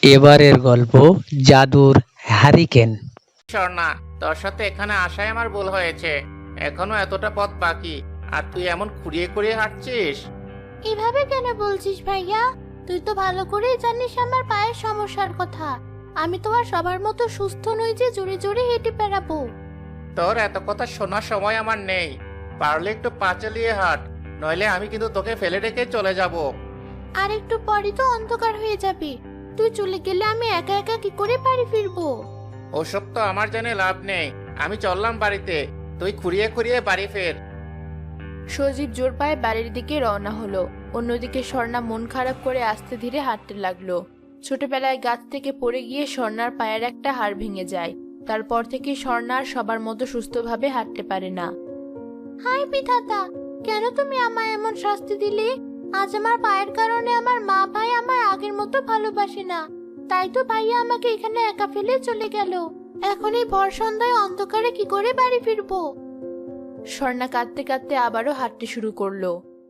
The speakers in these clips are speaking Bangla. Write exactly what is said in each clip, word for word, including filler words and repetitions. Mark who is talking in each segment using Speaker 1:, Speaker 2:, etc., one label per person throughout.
Speaker 1: এবারের গল্প জাদুর হারিকেন।
Speaker 2: স্বর্ণা, তোর সাথে এখানে আসায় আমার ভুল হয়েছে। এখনো এতটা পথ বাকি, আর তুই এমন খুঁড়িয়ে খুঁড়িয়ে হাঁটছিস।
Speaker 3: এভাবে কেন বলছিস ভাইয়া? তুই তো ভালো করেই জানিস আমার পায়ের সমস্যার কথা। আমি তো আর সবার মতো সুস্থ নই যে জোরে জোরে হেঁটে বেড়াবো।
Speaker 2: তোর এত কথা শোনার সময় আমার নেই। পারলে একটু পা চালিয়ে হাঁট, নইলে আমি কিন্তু তোকে ফেলে রেখে চলে যাব।
Speaker 3: আর একটু পরই তো অন্ধকার হয়ে যাবে। তুই চলে গেলে আমি একা একা কি করে বাড়ি ফিরবো?
Speaker 2: ওসব তো আমার জেনে লাভ নেই। আমি চললাম বাড়িতে, তুই খুঁড়িয়ে খুঁড়িয়ে বাড়ি ফের।
Speaker 4: সজীব জোর পায়ে বাড়ির দিকে রওনা হলো। অন্যদিকে স্বর্ণা মন খারাপ করে আস্তে ধীরে হাঁটতে লাগলো। ছোটবেলায় গাছ থেকে পড়ে গিয়ে স্বর্ণার পায়ের একটা হাড় ভেঙে যায়। তারপর থেকে স্বর্ণা আর সবার মতো সুস্থভাবে হাঁটতে পারে না।
Speaker 3: হাই বিধাতা, কেন তুমি আমায় এমন শাস্তি দিলে? আজ আমার পায়ের কারণে আমার মা ভাই আমায় আগের মতো ভালোবাসে না। তাই তো ভাইয়া আমাকে এখানে একা ফেলে চলে গেল। এখন এই ভর সন্ধ্যায় অন্ধকারে কি করে বাড়ি ফিরবো?
Speaker 4: স্বর্ণা কাঁদতে কাঁদতে আবারও হাঁটতে শুরু করলো।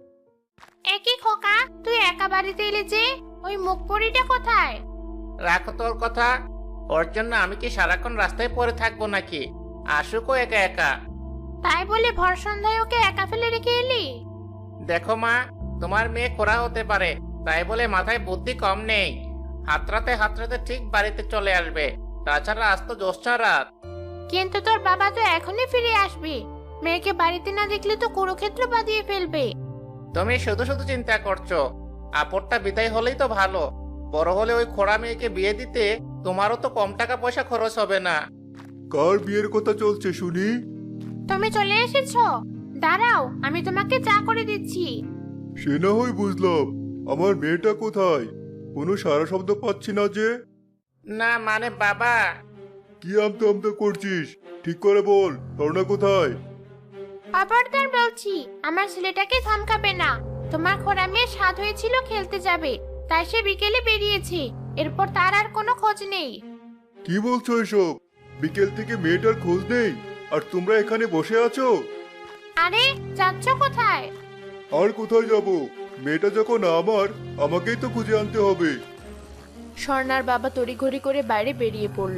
Speaker 3: একই খোকা, তুই একা বাড়িতে এলে যে? ওই মুখ পরিটা কোথায়?
Speaker 2: রাখো তোর কথা। ওর জন্য আমি কি সারাক্ষণ রাস্তায় পড়ে থাকবো নাকি? আসুকও একা একা।
Speaker 3: তাই বলে ভর সন্ধ্যায় ওকে একা ফেলে রেখে এলি?
Speaker 2: দেখো মা, তোমার মেয়ে খোড়া হতে পারে, তাই বলে মাথায় বুদ্ধি কম নেই। হাতড়াতে হাতড়াতে ঠিক বাড়িতে চলে আসবে। তাছাড়া আজ তো জ্যোৎস্না রাত।
Speaker 3: কিন্তু তোর বাবা তো এখনই ফিরে আসবে। মেয়েকে বাড়িতে না দেখলে তো কুরুক্ষেত্র বাঁধিয়ে ফেলবে।
Speaker 2: তুমি শুধু শুধু চিন্তা করছো। আপদটা বিদায় হলেই তো ভালো। বড় হলে ওই খোড়া মেয়েকে বিয়ে দিতে তোমারও তো কম টাকা পয়সা খরচ হবে না।
Speaker 5: কার বিয়ের কথা চলছে শুনি?
Speaker 3: তুমি চলে এসেছো? দাঁড়াও, আমি তোমাকে চা করে দিচ্ছি।
Speaker 5: সে না হয় বুঝলাম, আমার মেয়েটা কোথায়? কোনো সারা শব্দ পাচ্ছি না যে।
Speaker 2: না মানে বাবা।
Speaker 5: কি আমতা আমতা করছিস? ঠিক করে বল, স্বর্ণা কোথায়?
Speaker 3: খবরদার বলছি, আমার ছেলেটাকে ধমকাবে না। তোমার খোড়া মেয়ে সাধ হয়েছিল খেলতে যাবে, তাই সে বিকেলে বেরিয়েছে। এরপর তার আর কোনো খোঁজ নেই।
Speaker 5: কি বলছো এসব? বিকেল থেকে মেয়েটার খোঁজ নেই, আর তোমরা এখানে বসে আছো?
Speaker 3: আরে, যাচ্ছ কোথায়?
Speaker 5: আর কোথায় যাব? মেয়েটা যখন আমার, আমাকেই তো খুঁজে আনতে হবে।
Speaker 4: স্বর্ণার বাবা তড়িঘড়ি করে বাইরে বেরিয়ে পড়ল।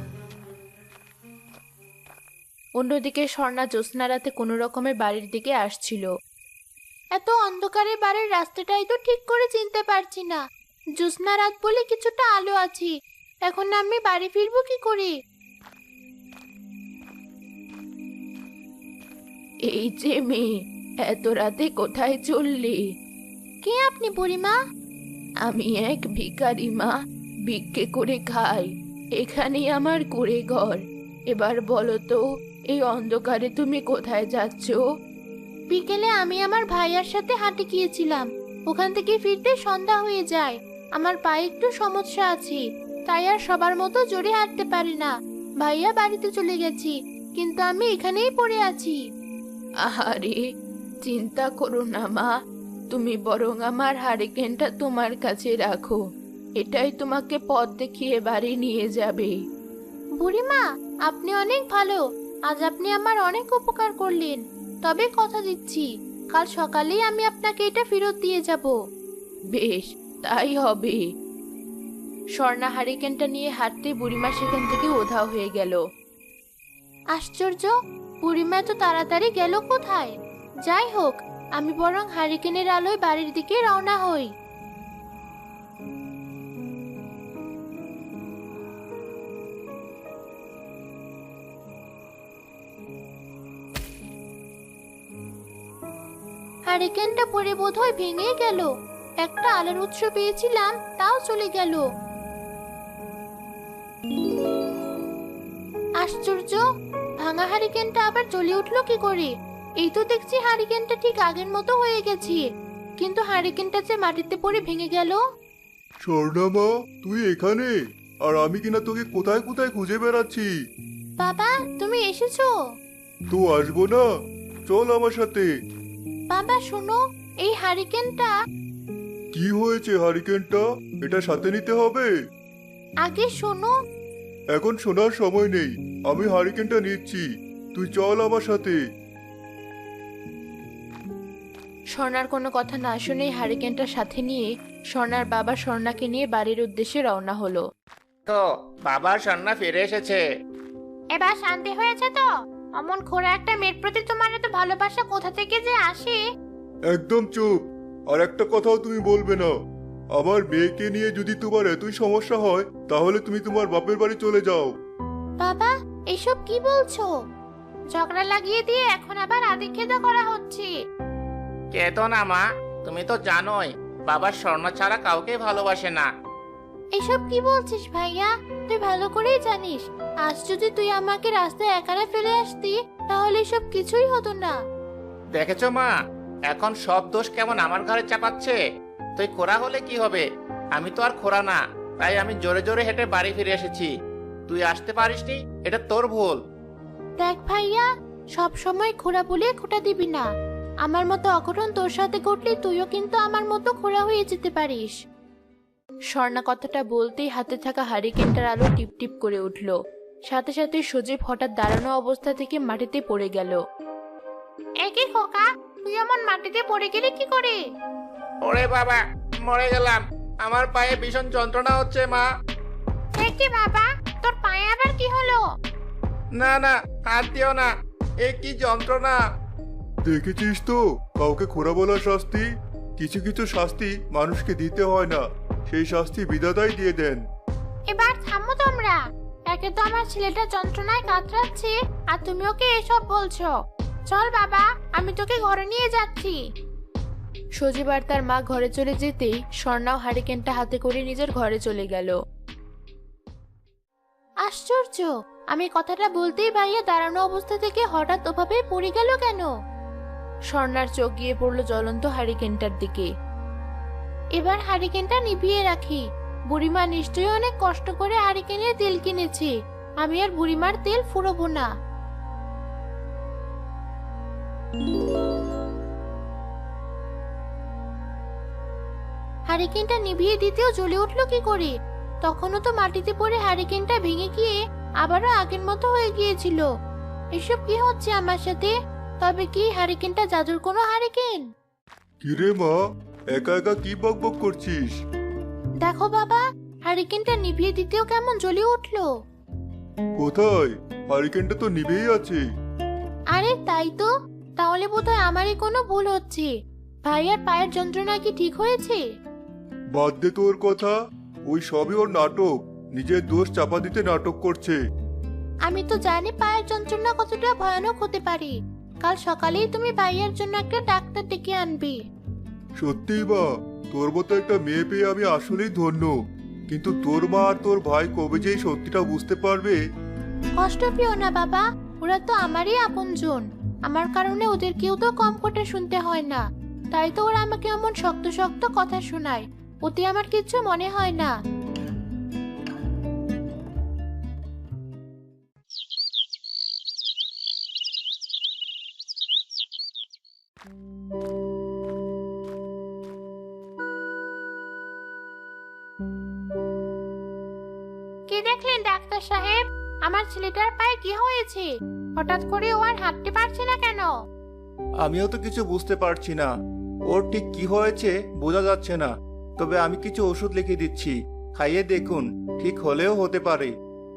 Speaker 4: অন্যদিকে স্বর্ণা জ্যোৎস্না রাতে কোনো রকমে বাড়ির দিকে আসছিল।
Speaker 3: এত অন্ধকারে বাড়ির রাস্তাটাই তো ঠিক করে চিনতে পারছি না। জ্যোৎস্না রাত বলে কিছুটা আলো আছে। এখন আমি বাড়ি ফিরবো কি করে?
Speaker 4: এই যে মেয়ে, এত রাতে কোথায় চললি?
Speaker 3: কে আপনি বুড়িমা?
Speaker 4: আমি এক ভিখারি মা, ভিক্ষে করে খাই। এখানেই আমার কুঁড়ে ঘর। এবার বলো তো, এই অন্ধকারে তুমি কোথায় যাচ্ছ?
Speaker 3: বিকেলে আমি আমার ভাইয়ার সাথে হাঁটে গিয়েছিলাম। ওখান থেকে ফিরতে সন্ধ্যা হয়ে যায়। আমার পায়ে একটু সমস্যা আছে, তাই আর সবার মতো জোরে হাঁটতে পারি না। ভাইয়া বাড়িতে চলে গেছি, কিন্তু আমি এখানেই পড়ে আছি।
Speaker 4: আহারে, চিন্তা করো না মা, তুমি বরং আমার হারিকেনটা তোমার কাছে রাখো। এটাই তোমাকে পথ দেখিয়ে বাড়ি নিয়ে যাবে।
Speaker 3: বুড়িমা, আপনি অনেক ভালো। আজ আপনি আমার অনেক উপকার করলেন। তবে কথা দিচ্ছি, কাল সকালেই আমি আপনাকে এটা ফেরত দিয়ে যাব।
Speaker 4: বেশ, তাই হবে। স্বর্ণা হারিকেনটা নিয়ে হাঁটতে বুড়িমা সেখান থেকে উধাও হয়ে গেল।
Speaker 3: আশ্চর্য, বুড়িমা তো তাড়াতাড়ি গেল কোথায়? যাই হোক, আমি বরং হারিকেনের আলোয় বাড়ির দিকে রওনা হই। হারিকেনটা পরে বোধহয় ভেঙে গেল। একটা আলোর উৎস পেয়েছিলাম, তাও চলে গেল। আশ্চর্য, ভাঙা হারিকেনটা আবার জ্বলে উঠলো কি করে? এই তো দেখছি হারিকেনটা ঠিক আগের মতো হয়ে গেছে, কিন্তু হারিকেনটা যে মাটিতে পড়ে ভেঙে গেল।
Speaker 5: স্বর্ণা মা, তুই এখানে? আর আমি কিনা তোকে কোথায় কোথায় খুঁজে বেড়াচ্ছি।
Speaker 3: বাবা, তুমি এসেছো?
Speaker 5: তো আসবো না? চল আমার সাথে।
Speaker 3: বাবা শোনো, এই হারিকেনটা।
Speaker 5: কি হয়েছে হারিকেনটা? এটা সাথে নিতে হবে?
Speaker 3: আগে শোনো।
Speaker 5: এখন শোনার সময় নেই, আমি হারিকেনটা নিচ্ছি। তুই চল আমার সাথে।
Speaker 4: স্বর্ণার কোনো কথা না শুনেই হারিকেনটা সাথে নিয়ে স্বর্ণার বাবা স্বর্ণাকে নিয়ে বাড়ির উদ্দেশ্যে রওনা হলো।
Speaker 2: তো বাবার সন্না ফিরে এসেছে।
Speaker 3: এবার শান্তি হয়েছে তো? অমন খোড়া একটা মেয়ের প্রতি তোমার এত ভালোবাসা কোথা থেকে যে আসে?
Speaker 5: একদম চুপ। আর একটা কথাও তুমি বলবে না। আমার মেয়েকে নিয়ে যদি তোমার এতই সমস্যা হয় তাহলে তুমি তোমার বাপের বাড়ি চলে যাও।
Speaker 3: বাবা, এসব কি বলছো? ঝগড়া লাগিয়ে দিয়ে এখন আবার আদিক্ষেতা করা হচ্ছে।
Speaker 2: কেতো না মা, তুমি তো জানোই বাবার স্বর্ণ ছাড়া কাউকে ভালোবাসে না।
Speaker 3: এসব কি বলছিস ভাইয়া? তুই ভালো করেই জানিস আজ যদি তুই আমাকে রাস্তায় একারা ফেলে আসতি তাহলে এসব কিছুই হতো না।
Speaker 2: দেখেছো মা, এখন সব দোষ কেমন আমার ঘরে চাপাচ্ছে। তুই খোরা হলে কি হবে? আমি তো আর খোরা না, তাই আমি জোরে জোরে হেঁটে বাড়ি ফিরে এসেছি। তুই আসতে পারিসনি, এটা তোর ভুল।
Speaker 3: দেখ ভাইয়া, সব সময় খোড়া বলে খোটা দিবি না। আমার মতো অঘটন তোর সাথে ঘটলে তুইও কিন্তু আমার মতো খোড়া হয়ে যেতে পারিস।
Speaker 4: স্বর্ণা কথাটা বলতেই হাতে থাকা হারিকেনটার আলো টিপ টিপ করে উঠল। সাথে সাথে সজীব হঠাৎ দাঁড়ানো অবস্থা থেকে মাটিতে পড়ে গেল।
Speaker 3: একই খোকা, তুই এমন মাটিতে পড়ে গেলি কি করে?
Speaker 2: ওরে বাবা, মরে গেলাম। আমার পায়ে ভীষণ যন্ত্রণা হচ্ছে মা।
Speaker 3: একই বাবা, তোর পায়ে আবার কি হলো?
Speaker 2: না না, হাত দিও না, এ কি যন্ত্রণা।
Speaker 5: দেখেছিস তো কাউকে খোরা বলার শাস্তি? কিছু কিছু শাস্তি মানুষকে দিতে হয় না, সেই শাস্তি বিধাতাই দিয়ে দেন।
Speaker 3: এবার থামো তোমরা। একে তো আমার ছেলেটা যন্ত্রণায় কাতরাচ্ছে আর তুমি ওকে এসব বলছো। চল বাবা, আমি তোকে ঘরে নিয়ে যাচ্ছি।
Speaker 4: সজীব আর তার মা ঘরে চলে যেতেই স্বর্ণাও হারিকেনটা হাতে করে নিজের ঘরে চলে গেল।
Speaker 3: আশ্চর্য, আমি কথাটা বলতেই ভাইয়া দাঁড়ানো অবস্থা থেকে হঠাৎ ওভাবে পড়ে গেল কেন?
Speaker 4: স্বর্ণার চোখ গিয়ে পড়লো জ্বলন্ত হারিকেনটার দিকে।
Speaker 3: এবার হারিকেনটা নিভিয়ে রাখি। বুড়িমা নিশ্চয়ই অনেক কষ্ট করে হারিকেনের তেল কিনেছে। আমি আর বুড়িমার তেল ফুরবো না। হারিকেনটা নিভিয়ে দিতেও জ্বলে উঠলো কি করে? তখনও তো মাটিতে পড়ে হারিকেনটা ভেঙে গিয়ে আবারও আগের মতো হয়ে গিয়েছিল। এসব কি হচ্ছে আমার সাথে? তবে কি হারিকেনটা জাদুর কোনো হারিকেন?
Speaker 5: কিরে মা, একা একা কি বকবক করছিস?
Speaker 3: দেখো বাবা, হারিকেনটা নিভিয়ে দিতেও কেমন জ্বলে উঠলো।
Speaker 5: কোথায়? হারিকেনটা তো নিভেই আছে।
Speaker 3: আরে তাই তো। তাহলে বোধহয় আমারই কোনো ভুল হচ্ছে। ভাইয়ার পায়ের যন্ত্রণা কি ঠিক হয়েছে?
Speaker 5: বাদ দে তোর কথা, ওই সবই ওর নাটক। নিজের দোষ চাপা দিতে নাটক করছে।
Speaker 3: আমি তো জানি পায়ের যন্ত্রণা কতটা ভয়ানক হতে পারে। কাল সকালেই তুমি ভাইয়ার জন্য একটা ডাক্তার ডেকে আনবে।
Speaker 5: সত্যিই বা, তোর মতো একটা মেয়ে পেয়ে আমি আসলেই ধন্য। কিন্তু তোর মা আর তোর ভাই কবে যে এই সত্যিটা বুঝতে পারবে?
Speaker 3: কষ্ট পেও না বাবা, ওরা তো আমারই আপনজন। আমার কারণে ওদের কেউ তো কম কথা শুনতে হয় না। তাই তো ওরা আমাকে এমন শক্ত শক্ত কথা শোনায়। ওতে আমার কিচ্ছু মনে হয় না। কি দেখলেন ডাক্তার সাহেব? আমার ছেলেটার পায়ে কি হয়েছে? হঠাৎ করে ও আর হাঁটতে পারছে না কেন?
Speaker 6: আমিও তো কিছু বুঝতে পারছি না। ওর ঠিক কি হয়েছে বোঝা যাচ্ছে না। তবে আমি কিছু ওষুধ লিখে দিচ্ছি, খাইয়ে দেখুন, ঠিক হলেও হতে পারে।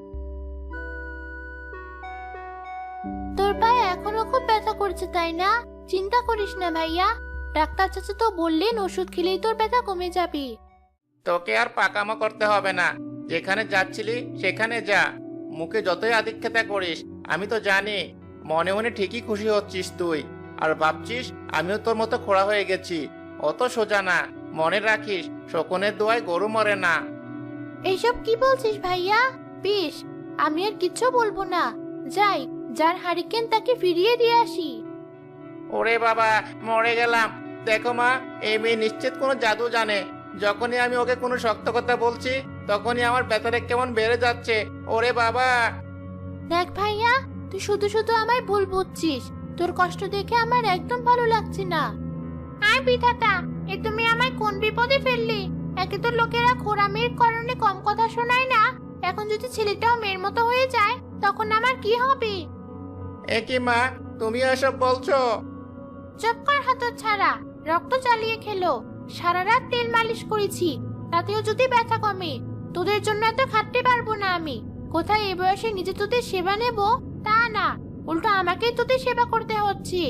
Speaker 3: তোর পায়ে এখনো খুব ব্যথা করছে তাই না? চিন্তা করিস না ভাইয়া, ডাক্তার চাচা তো বললেন ওষুধ খেলেই তোর ব্যথা কমে যাবে।
Speaker 2: তোকে আর পাকামো করতে হবে না। যেখানে যাচ্ছিলি সেখানে যা। মুখে যতই আদিক্ষেতা করিস, আমি তো জানি মনে মনে ঠিকই খুশি হচ্ছিস তুই। আর ভাবছিস আমিও তোর মতো খোড়া হয়ে গেছি। অত সোজা না, মনে রাখিস শকুনের দোয়ায় গরু মরে না।
Speaker 3: এইসব কি বলছিস ভাইয়া? বেশ, আমি আর কিচ্ছু বলবো না। যাই, যার হারিকেন তাকে ফিরিয়ে দিয়ে আসি।
Speaker 2: ওরে বাবা, মরে গেলাম। দেখো মা, এই মেয়ে নিশ্চিত কোনো জাদু জানে। যখনই আমি ওকে কোনো শক্ত কথা বলছি তখনই আমার ব্যথাটা কেমন বেড়ে যাচ্ছে। ওরে বাবা।
Speaker 3: দেখ ভাইয়া, তুই শুধু শুধু আমায় ভুল বুঝছিস। তোর কষ্ট দেখে আমার একদম ভালো লাগছে না। আয় বিধাতা, এ তুমি আমায় কোন বিপদে ফেললি? একে তো লোকেরা খোড়া মেয়ের কারণে কম কথা শোনায় না, এখন যদি ছেলেটাও মেয়ের মতো হয়ে যায় তখন আমার কি হবে?
Speaker 2: এ কি মা, তুমি এসব বলছো?
Speaker 3: চুপ কর হতচ্ছাড়া। রক্ত চালিয়ে খেলো। সারা রাত তেল মালিশ করেছি, তাতেও যদি ব্যথা কমে। তোদের জন্য এত খাটতে পারবো না আমি। কোথায় এ বয়সে নিজে তোদের সেবা নেব তা না, উল্টো আমাকেই তোদের সেবা করতে হচ্ছে।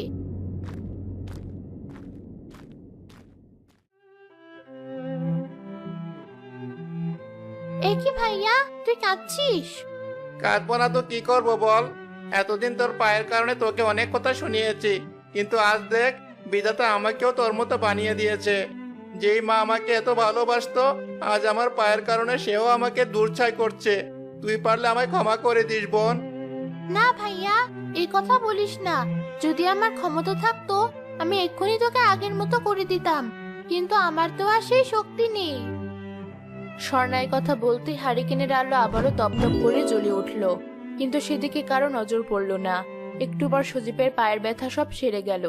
Speaker 3: এ কি ভাইয়া, তুই কাঁদছিস?
Speaker 2: কাঁদবো না তো কি করবো বল। এতদিন তোর পায়ের কারণে তোকে অনেক কথা শুনিয়েছি, কিন্তু আজ দেখ বিধাতা আমাকেও তোর মতো বানিয়ে দিয়েছে। যেই মা আমাকে এত ভালোবাসতো, আজ আমার পায়ের কারণে সেও আমাকে দূরছাই করছে। তুই পারলে আমায় ক্ষমা করে দিস বোন।
Speaker 3: না ভাইয়া, এই কথা বলিস না। যদি আমার ক্ষমতা থাকতো আমি এক্ষুনি তোকে আগের মতো করে দিতাম, কিন্তু আমার তো আর সেই শক্তি নেই।
Speaker 4: স্বর্ণায় কথা বলতে হারিকেনের আলো আবারও তপতপ করে জ্বলে উঠল, কিন্তু সেদিকে কারো নজর পড়ল না। একটু পর সজীবের পায়ের ব্যথা সব সেরে গেল।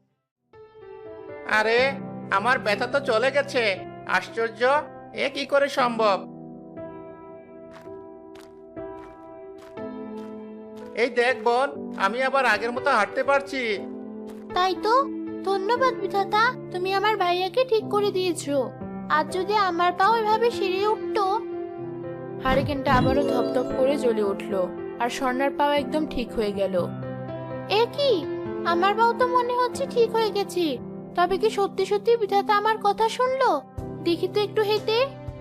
Speaker 2: আরে আমার ব্যথা তো চলে গেছে, আশ্চর্য, এ কি করে সম্ভব? এই দেখ বোন, আমি আবার আগের মতো হাঁটতে পারছি।
Speaker 3: তাই তো, ধন্যবাদ বিধাতা, তুমি আমার ভাইয়াকে ঠিক করে দিয়েছো। আজ যদি আমার পাও এভাবে সেরে উঠতো।
Speaker 4: হারিকেনটা আবারও ধপধপ করে জ্বলে উঠল, আর স্বর্ণার পাও একদম ঠিক হয়ে গেল।
Speaker 3: এ কি, আমার পাও তো মনে হচ্ছে ঠিক হয়ে গেছে। তবে কি সত্যি সত্যি বিধাতা আমার কথা শুনলো? দেখি তো একটু হেঁটে।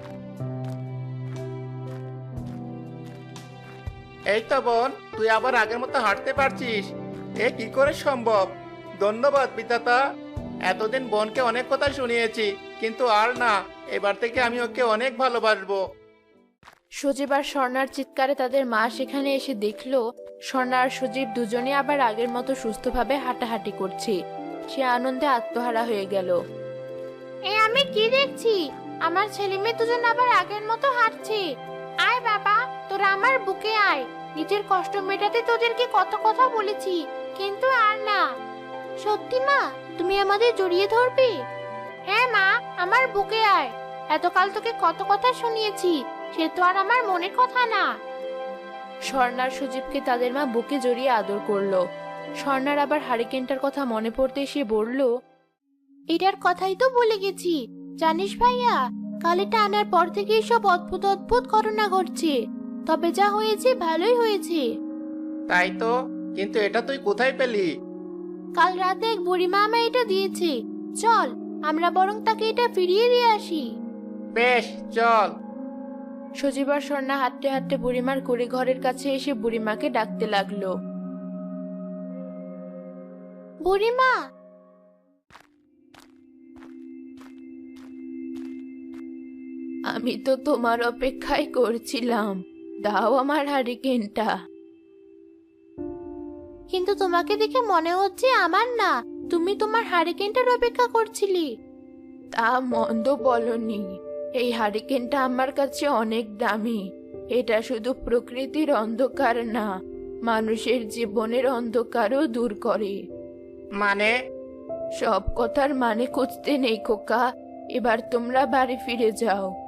Speaker 2: এই তো বোন, তুই আবার আগের মতো হাঁটতে পারছিস। এ কি করে সম্ভব? ধন্যবাদ বিধাতা। এতদিন বোনকে অনেক কথা শুনিয়েছি, কিন্তু আর না, এবার থেকে আমি ওকে অনেক ভালোবাসবো।
Speaker 4: সজীব আর স্বর্ণার চিৎকারে তাদের মা সেখানে এসে দেখলো স্বর্ণা আর সজীব দুজনে আবার আগের মতো সুস্থভাবে হাঁটাহাঁটি করছে। সে আনন্দে আত্মহারা হয়ে গেল।
Speaker 3: এ আমি কি দেখছি? আমার ছেলে মেয়ে দুজন আবার আগের মতো হাঁটছে। আয় বাবা, তোরা আমার বুকে আয়। নিজের কষ্ট মেটাতে তোদেরকে কত কথা বলেছি, কিন্তু আর না। সত্যি মা, তুমি আমাদের জড়িয়ে ধরবে? হ্যাঁ মা, আমার বুকে আয়। এতকাল তোকে কত কথা শুনিয়েছি, সে তো আর আমার মনের কথা না।
Speaker 4: স্বর্ণার সজীবকে তাদের মা বুকে জড়িয়ে আদর করলো। স্বর্ণার আবার হারিকেনটার কথা মনে পড়তে সে বলল,
Speaker 3: এটার কথাই তো বলে গেছি। জানিস ভাইয়া, কাল এটা আনার পর থেকে সব অদ্ভুত অদ্ভুত ঘটনা ঘটছে। তবে যা হয়েছে ভালোই হয়েছে।
Speaker 2: তাই তো, কিন্তু এটা তুই কোথায় পেলি?
Speaker 3: কাল রাতে এক বুড়িমা আমায় এটা দিয়েছে। চল, আমরা বরং তাকে এটা ফিরিয়ে দিয়ে আসি।
Speaker 2: বেশ, চল।
Speaker 4: সজীব আর স্বর্ণা হাঁটতে হাঁটতে বুড়িমার কুড়ি ঘরের কাছে এসে বুড়িমাকে ডাকতে লাগলো।
Speaker 3: বুড়িমা,
Speaker 4: আমি তো তোমার অপেক্ষাই করছিলাম, দাও আমার হারিকেনটা।
Speaker 3: কিন্তু তোমাকে দেখে মনে হচ্ছে আমার না, তুমি তোমার হারিকেনটার অপেক্ষা করছিলে।
Speaker 4: তা মন্দ বলনি, এই হারিকেনটা আমার কাছে অনেক দামি। এটা শুধু প্রকৃতির অন্ধকার না, মানুষের জীবনের অন্ধকারও দূর করে।
Speaker 2: মানে?
Speaker 4: সব কথার মানে খুঁজতে নেই খোকা, এবার তোমরা বাড়ি ফিরে যাও।